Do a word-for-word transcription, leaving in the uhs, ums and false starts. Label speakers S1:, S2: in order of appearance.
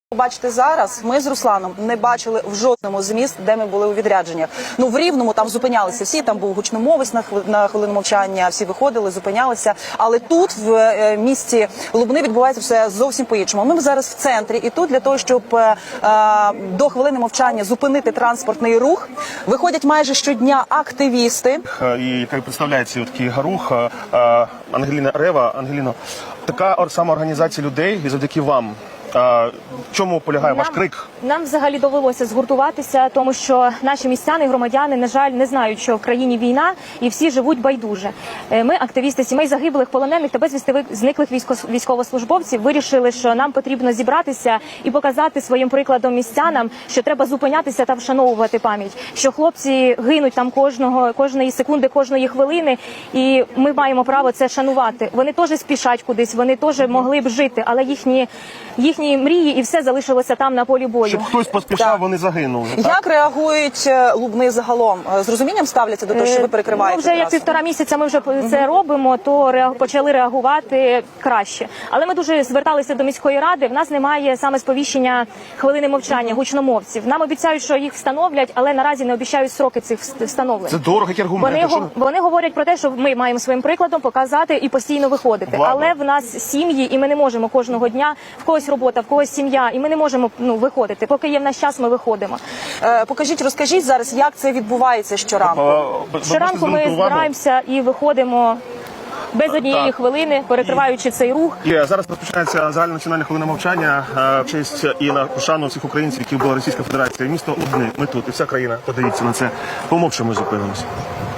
S1: Бачите, зараз ми з Русланом не бачили в жодному з міст, де ми були у відрядженнях. Ну, в Рівному там зупинялися всі, там був гучномовець на, хв... на хвилину мовчання, всі виходили, зупинялися. Але тут, в е, місті Лубни, відбувається все зовсім по-іншому. Ми зараз в центрі, і тут для того, щоб е, до хвилини мовчання зупинити транспортний рух, виходять майже щодня активісти.
S2: І яка представляє цей такий рух, Ангеліна Рева. Ангеліно, така сама організація людей, і завдяки вам. В чому полягає
S3: нам,
S2: ваш крик?
S3: Нам взагалі довелося згуртуватися, тому що наші містяни, громадяни, на жаль, не знають, що в країні війна і всі живуть байдуже. Ми, активісти сімей загиблих, полонених та безвісти зниклих військовослужбовців, вирішили, що нам потрібно зібратися і показати своїм прикладом містянам, що треба зупинятися та вшановувати пам'ять, що хлопці гинуть там кожного, кожної секунди, кожної хвилини, і ми маємо право це шанувати. Вони теж спішать кудись, вони теж могли б жити, але їхні їхні мрії і все залишилося там на полі бою.
S2: Щоб хтось поспішав, так. Вони загинули. Так?
S1: Як реагують Лубни загалом? З розумінням ставляться до того, що ви перекриваєте?
S3: Ну, вже як півтора місяця ми вже угу. це робимо, то ре... почали реагувати краще. Але ми дуже зверталися до міської ради, в нас немає саме сповіщення хвилини мовчання, гучномовців. Нам обіцяють, що їх встановлять, але наразі не обіцяють строки цих встановлень.
S2: Це дорого, які аргументи.
S3: Вони, що... вони говорять про те, що ми маємо своїм прикладом показати і постійно виходити. Ладно. Але в нас сім'ї, і ми не можемо кожного дня, в когось робота, в когось сім'я, і ми не можемо ну, виходити. Поки є в нас час, ми виходимо.
S1: Е, покажіть, розкажіть зараз, як це відбувається щоранку.
S3: Щоранку ми збираємося і виходимо без однієї так. хвилини, перекриваючи цей рух.
S2: І зараз розпочинається загальнонаціональна хвилина мовчання в честь і на пошану всіх українців, які була Російська Федерація. Місто Лубни, ми тут, і вся країна, подивіться на це. Помовчимо, зупинимося.